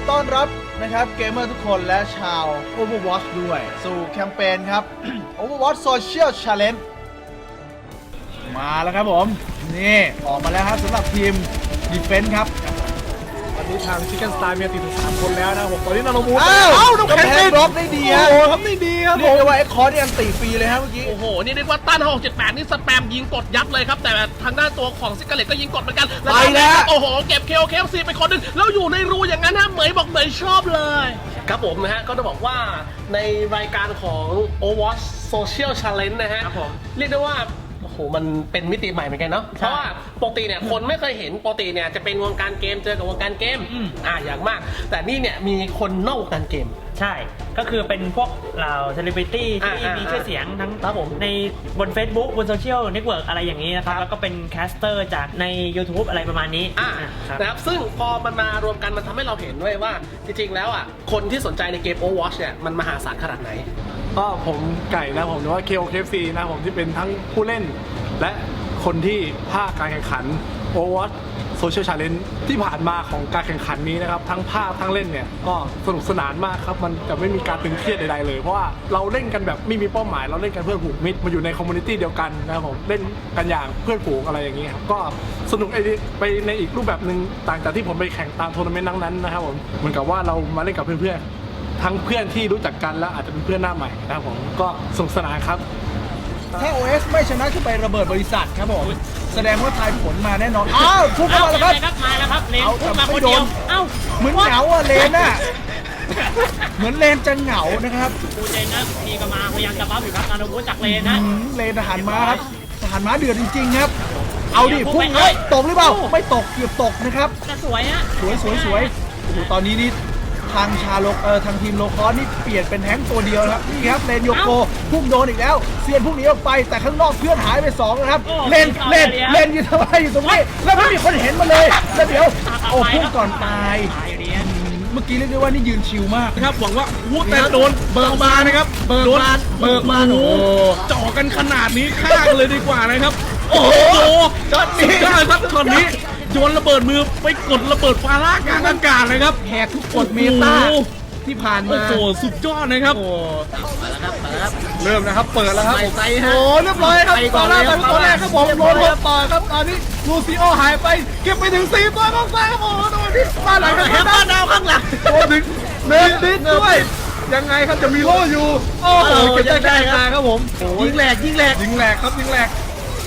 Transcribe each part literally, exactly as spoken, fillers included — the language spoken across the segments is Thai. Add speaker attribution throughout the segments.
Speaker 1: ต้อนรับนะครับเกมเมอร์ทุกคนและชาว Overwatch ด้วยสู่แคมเปญครับ Overwatch Social Challenge มาแล้วครับผมนี่ออกมาแล้วครับสำหรับทีม Defense ครับ
Speaker 2: ตอนนี้ทางชิคเก้นสไตล์มีติดถึงสามคนแล้วนะผมตอนนี้นาโนมู
Speaker 1: อ้าวน้องแข็งบล็อกได้ดีฮะ
Speaker 2: โอ้โหทำได้ดีครับ
Speaker 1: เรียกได้ว่าไอ้คอร์สนี่อันตีฟรีเลยฮะเมื่อกี้
Speaker 3: โอ้โห นี่เรียกว่าต้านหกเจ็ดแปดนี่สแปมยิงกดยับเลยครับ แต่ทางด้านตัวของซิกเกอร์เลตก็ยิงกดเหมือนกัน
Speaker 1: ไปแล้ว
Speaker 3: โอ้โห เก็บเคลเคฟซีไปคนหนึงแล้วอยู่ในรูอย่างนั้นฮะเหมยบอกเหมยชอบเลย ครับผมนะฮะ ก็ต้องบอกว่าในรายการของ Overwatch Social Challenge นะฮะ
Speaker 2: ครับผม
Speaker 3: เรียกได้ว่าโอ้โห มันเป็นมิติใหม่เหมือนกันเนาะ เพราะว่าปกติเนี่ยคนไม่เคยเห็นปกติเนี่ยจะเป็นวงการเกมเจอกับวงการเกมอ่าอย่างมาก แต่นี่เนี่ยมีคนนอกวงการเกม
Speaker 4: ใช่ ก็คือเป็นพวกเหล่าเซเลบริตี้ที่
Speaker 3: อ่ามี
Speaker 4: มีชื่อเสียงทั้ง
Speaker 3: ครับผม
Speaker 4: ในบน Facebook บนโซเชียลเน็ตเวิร์กอะไรอย่างนี้นะครับ แล้วก็เป็นแคสเตอร์จากใน YouTube อะไรประมาณนี้
Speaker 3: อ่า
Speaker 4: ครับ
Speaker 3: นะครับซึ่งพอมันมารวมกันมันทำให้เราเห็นด้วยว่าจริงๆแล้วอ่ะคนที่สนใจในเกม Overwatch เนี่ยมันมหาศาลขนาดไหน
Speaker 2: ก็ผมไก่นะผมหรือว่า เค โอ เค เอฟ ซี นะผมที่เป็นทั้งผู้เล่น และคนที่ภาคการแข่งขัน Overwatch Social Challenge ที่ผ่านมาของการแข่งขันนี้นะครับทั้งภาคทั้งเล่นเนี่ยก็สนุกสนานมากครับมันจะไม่มีการตึงเครียดใดๆเลยเพราะว่าเราเล่นกันแบบไม่มีเป้าหมายเราเล่นกันเพื่อผูกมิตรมาอยู่ในคอมมูนิตี้เดียวกันนะครับผมเล่นกันอย่างเพื่อนฝูงอะไรอย่างนี้ครับก็สนุกไปในอีกรูปแบบหนึ่งต่างจากที่ผมไปแข่งตามทัวร์นาเมนต์นั้นๆนะครับผมเหมือนกับว่าเรามาเล่นกับเพื่อนๆทั้งเพื่อนที่รู้จักกันและอาจจะเป็นเพื่อนหน้าใหม่นะครับผมก็สนุกสนานครับ
Speaker 1: ถ้า โอ เอส ไม่ชนะขึ้นไประเบิดบริษัทครับผมแสดงว่าทายผลมาแน่นอนอ้าวพุ่งเข้ามาแล้วครับ
Speaker 4: มาแล้วครับเลน
Speaker 1: เอา
Speaker 4: พุ่งมา
Speaker 1: แต่
Speaker 4: ค
Speaker 1: ไม่
Speaker 4: นเดียว
Speaker 1: โดน
Speaker 4: เอ้า
Speaker 1: เหมือนเหงาอะเลนอะเหมือนเลนจะเหงานะครับ
Speaker 4: กูเจนนะทีก็มาพยายามจะบัฟอยู่ครับนาโนบูจากเลนนะ
Speaker 1: อืมเลนทหารม้าครับทหารม้าเดือดจริงๆครับ เอาดิพุ่งครับตกหรือเปล่าไม่ตกเกือบตกนะครับ
Speaker 4: จะสวยฮะ
Speaker 1: สวยสวยสวยโอ้โหตอนนี้นี่ทางชาโลเออทางทีมโลคอสนี่เปลี่ยนเป็นแฮงค์ตัวเดียวนะครับนี่ครับเลนโยโกพุ่งโดนอีกแล้วเซียนพุ่งหนีออกไปแต่ข้างนอกเพื่อนหายไปสองนะครับเลนเลนเลนอยู่ทำไมอยู่ตรงนี้แล้วไม่มีคนเห็นมาเลยแล้วเดี๋ยวโอ้พุ่งก่อนตาย
Speaker 4: ตายอยู่ดี
Speaker 1: เมื่อกี้เรียกได้ว่านี่ยืนชิลมาก
Speaker 2: ครับหวังว่าวูแต่โดนเบิกบานนะครับเบิกบานเบิกบานโอ้จ่อกันขนาดนี้ฆ่ากันเลยดีกว่านะครับโอ้โหช็อตนี้ได้ครับช็อตนี้โยนระเบิดมือไปกดระเบิดฟาร่ากลางอากาศเลยครับ
Speaker 1: แหกทุกกฎเมตาที่ผ่าน
Speaker 2: โอ้
Speaker 1: มา
Speaker 2: โหสุดยอดนะครับ
Speaker 1: โอ้
Speaker 2: เริ่มนะครับเปิดแล้วครับ
Speaker 1: ไปฮะโอ้เรียบร้อยครับตอนแรกไปตอนแรกครับผมโดนรถต่อครับตอนนี้ลูซิโอหายไปเก็บไปถึงสี่ตัวข้างซ้ายครับโอ้โดนที่บ้านหลังครับบ้านดาวข้างหลังโดนถึงเนินดิสด้วยยังไงครับจะมีโล่อยู่โอ้โหเก็บได้กลางครับผมยิงแหลกยิงแหลกยิงแหลกครับยิงแหลก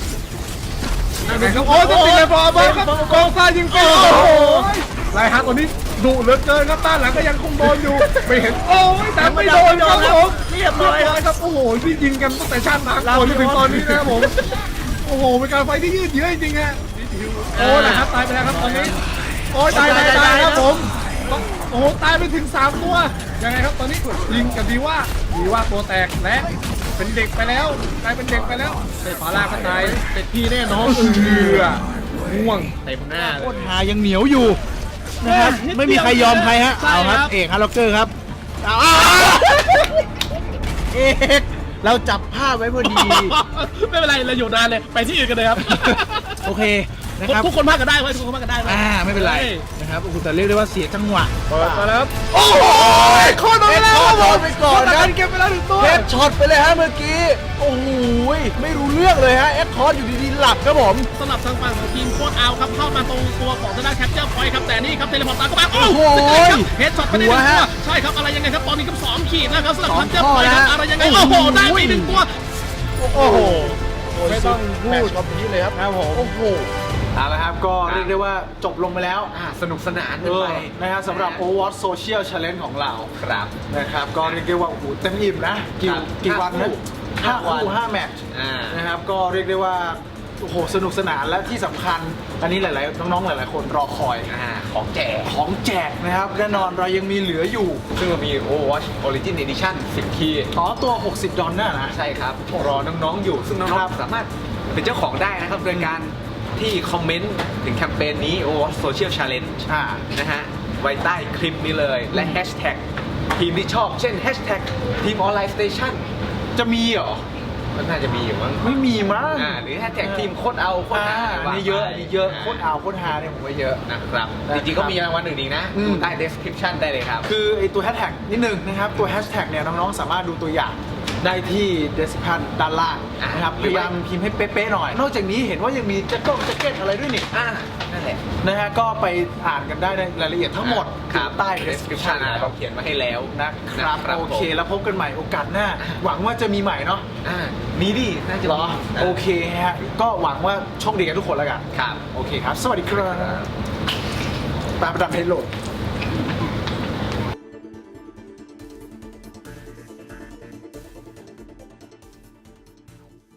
Speaker 1: ครับโอ้ยต้องติดเลยพอเบิร์ครับกองซ้ายยิงไปโอ้โหไรฮะตอนนี้ดุเหลือเกินครับด้านหลังก็ยังคงโดนอยู่ไม่เห็นโอ้ยแต่ไม่โดนครับผมเรียบร้อยครับโอ้โหที่ยิงกันตั้งแต่ชาติหนักก่อนจนถึงตอนนี้นะครับผมโอ้โหเป็นการไฟที่ยืดเยื้อจริงๆฮะโอ้นะครับตายไปแล้วครับตอนนี้โอ้ยตายตายตายครับผมโอ้โหตายไปถึงสามตัวยังไงครับตอนนี้ยิงกับดีว่าดีว่าตัวแตกและเป็นเด็กไปแล้วกลายเป็นเด็กไปแล้วเตะฝาลากก็ตายเตะพี่แน่นอนเอือง่วงเต็มหน้าเลยโคตรหายังเหนียวอยู่นะครับไม่มีใครยอมใครฮะเอาครับเอกฮาร์ล็อกเกอร์ครับเอาเอกเราจับภาพไว้พอดี
Speaker 3: ไม่เป็นไรเราอยู่นานเลยไปที่อื่นกันเลยครับ
Speaker 1: โอเคนะครับ
Speaker 3: ทุกคนพากกันได้ไว้ทุกคนพากกันได้ไว้
Speaker 1: อ่าไม่เป็นไรนะครับโอ้โหแต่เรียกได้ว่าเสียจังหวะ
Speaker 2: เปิดมาแล้วครับ
Speaker 1: โอ้โหโคตรไปแล้วโดนไปก่อนนะ
Speaker 2: เก็บไปแล้วหนึ่งตัว
Speaker 1: เฮดช็อตไปเลยฮะเมื่อกี้โอ้โหไม่รู้เรื่องเลยฮะเอ็กคอร์สอยู่ดีๆหลับครับผม
Speaker 3: สำหรับทางฝั่งของทีมโคตรเอาครับเข้ามาตรงตัวของทางด้านแคปเจอร์พอยต์ครับแต่นี่ครับเทเลพอร์ตตามเข้ามาโอ้โหเฮดช็อตไปได้หนึ่งตัวใช่ครับอะไรยังไงครับตอนนี้ครับสองขีดแล้วครับสำหรับแคปเจอร์พอยต์ครับอะไรยังไงโอ้โหได้ไปหนึ่งตัว
Speaker 1: โอ้โห
Speaker 2: ไม่ต้องพูด
Speaker 1: แมตช์กับพีเลยครับครับผมโอ้โห
Speaker 5: เอาละครับก็เรียกได้ว่าจบลงไปแล้วสนุกสนาน
Speaker 1: เอ
Speaker 5: กัน
Speaker 1: อ
Speaker 5: ไป
Speaker 1: นะครับสำหรับ Overwatch Social Challenge ของเรา
Speaker 5: ครับ
Speaker 1: นะครับก็เรียกได้ว่าโอ้โหเต็มอิ่มนะกี่
Speaker 5: ครับ
Speaker 1: กี่วันนะ
Speaker 5: ห้า
Speaker 1: ห้า
Speaker 5: วัน
Speaker 1: คู่ห้าแมตช์
Speaker 5: อ่าน
Speaker 1: นะครับก็เรียกได้ว่าโอ้โหสนุกสนานและที่สำคัญอันนี้หลายๆน้องๆหลายๆคนรอคอย
Speaker 5: อ่าของแจก
Speaker 1: ของแจกนะครับแน่นอนเรายังมีเหลืออยู่
Speaker 5: ซึ่งเรามี Overwatch Origin Edition สิบ คีย์
Speaker 1: ต่อตัวหกสิบดอลน่ะนะ
Speaker 5: ใช่ครับ รอน้องๆอยู่ ซึ่งน้
Speaker 1: ค
Speaker 5: อ
Speaker 1: รั
Speaker 5: ง
Speaker 1: บ
Speaker 5: ๆสามารถเป็นเจ้าของได้นะครับ โดยการที่คอมเมนต์ถึงแคมเปญนี้ Overwatch Social Challenge
Speaker 1: อ่า
Speaker 5: นะฮะไว้ใต้คลิปนี้เลยและแฮชแท็กทีมที่ชอบเช่นแฮชแท็กทีมออนไลน์สเตชัน
Speaker 1: จะมีเหรอ
Speaker 5: ก็น่าจะมีอยู่มั้ง
Speaker 2: ไม่มีมั้ง
Speaker 5: อ่าหรือแฮชแท็กทีมโคตรเอาโคตร
Speaker 2: อ่า
Speaker 5: หา
Speaker 2: อันนี้เยอะอันนี้เยอะโคตรเอาโคตรฮาเนี่ยผมว่าเยอะ
Speaker 5: นะครับ
Speaker 2: นะครับ
Speaker 5: จริงๆก็มีรางวัลอื่นอีกนะ
Speaker 2: อืม
Speaker 5: ดูใต้ description ได้เลยครับ
Speaker 2: คือไอตัวแฮชแท็กนิดนึงนะครับ ตัวแฮชแท็กเนี่ยน้องๆสามารถดูตัวอย่างได้ที่ description ด้านล่างนะครับ
Speaker 5: อ่า
Speaker 2: พยายามพิมพ์ให้เป๊ะๆหน่อย นอกจากนี้เห็นว่ายังมีแจ็คเก็ตแจ็คเก็ตอะไรด้วยนี่
Speaker 5: อ่านั่นแหละ
Speaker 2: นะฮะก็ไปอ่านกันได้ในรายละเอียดทั้งหมด
Speaker 5: ครับ
Speaker 2: ใต้
Speaker 5: description
Speaker 2: description
Speaker 5: อ่ะ
Speaker 2: นะค
Speaker 5: เรา
Speaker 2: รับ
Speaker 5: เขียนมาให้แล้ว
Speaker 2: นะครับ
Speaker 5: นะ
Speaker 2: โอเค
Speaker 5: ผม
Speaker 2: แล้วพบกันใหม่โอกาสหน้า หวังว่าจะมีใหม่เนาะ
Speaker 5: อ่ามีดิน่าจะ
Speaker 2: เหร
Speaker 5: มี
Speaker 2: อโอเคฮะก็หวังว่าโชคดีกันทุกคนแล้วกัน
Speaker 5: ครับ
Speaker 2: โอเคครับ สวัสดีครับตามประดับเพจโหลด